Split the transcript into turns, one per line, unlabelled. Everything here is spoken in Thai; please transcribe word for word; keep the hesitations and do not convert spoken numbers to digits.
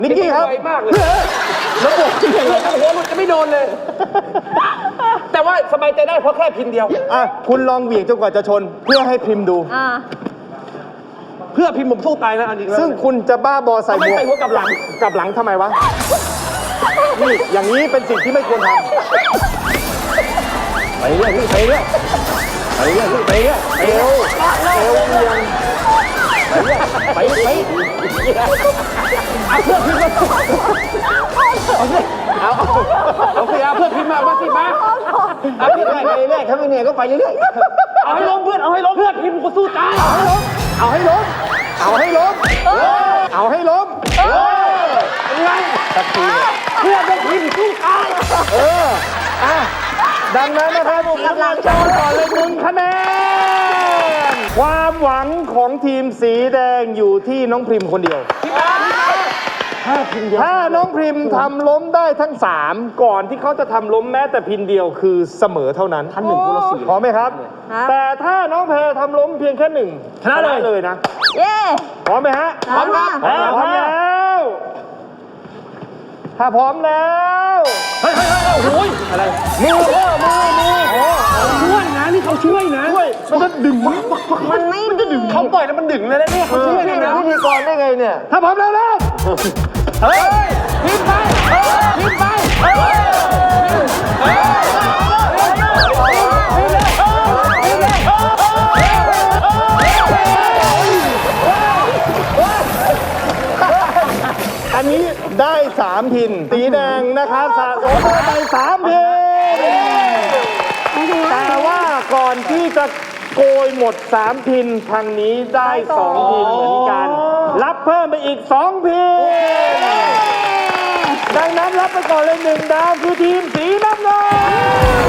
นิกกี้ครับมากเลยแล้วบอกที่ไหนเลยโอ้โหมันจะไม่โดนเลย แต่ว่าสบายใจได้เพราะแค่พิมพ์เดียวอ่ะคุณลองเหวี่ยงจนกว่าจะชนเพื่อให้พิมพ์ดูเพื่อพิมพ์ผมสู้ตายนะอันนี้ซึ่งคุณจะบ้าบอใส่หมวกไม่ใส่หัวกับหลังกับหลังทำไมวะนี่อย่างนี้เป็นสิ่งที่ไม่ควรทำไปเรื่อยไปเรื่อยไปเรื่อยไปเรื่อยเอวเอวเอียงไปเรื่อยไปเอาเพื่อพิมพ์มาเอาสิเอาเอาสิเอาเพื่อพิมพ์มามาสิมาเอาไปเรื่อยไปเรื่อยถ้าไม่เหนื่อยก็ไปเรื่อยเอาให้ล้มเพื่อนเอาให้ล้มเพื่อนพิมพ์ก็สู้ตายเอาให้ล้มเอาให้ล้มเอาให้ล้มเป็นไงเพื่อนต้องพิมพ์สู้ตายเอออ่ะดังนั้นนะครับผมกำลังโชว์ก่อนเลยหนึ่งคะแนนความหวังของทีมสีแดงอยู่ที่น้องพริมคนเดียวถ้าพิมถ้าน้องพริมทำล้มได้ทั้งสามก่อนที่เขาจะทำล้มแม้แต่พิมเดียวคือเสมอเท่านั้นท่านหนึ่งคนละสี่พร้อมไหมครับแต่ถ้าน้องแพรทำล้มเพียงแค่หนึ่งชนะเลยเลยนะเย้พร้อมไหมฮะพร้อมครับพร้อมแล้วถ้าพร้อมแล้วเฮ้ยเฮ้ยเฮ้ยโอ้ยอะไรมือมือมือมือช่วยนะนี่เขาช่วยนะช่วยมันจะดึงมันไม่ดึงเขาปล่อยแล้วมันดึงเลยนะเนี่ยเขาช่วยนะพิธีกรได้ไงเนี่ยถ้าพร้อมแล้วแล้วเฮ้ยพิมพ์ไปพิมพ์ไปอันนี้ได้สามพินสีแดงนะครับสะสมไปสามพินแต่ว่าก่อนที่จะโกยหมดสามพินทางนี้ได้สองพินเหมือนกันรับเพิ่มไปอีกสองพินดังนั้นรับไปก่อนเลยหนึ่งดาวคือทีมสีน้ำเงิน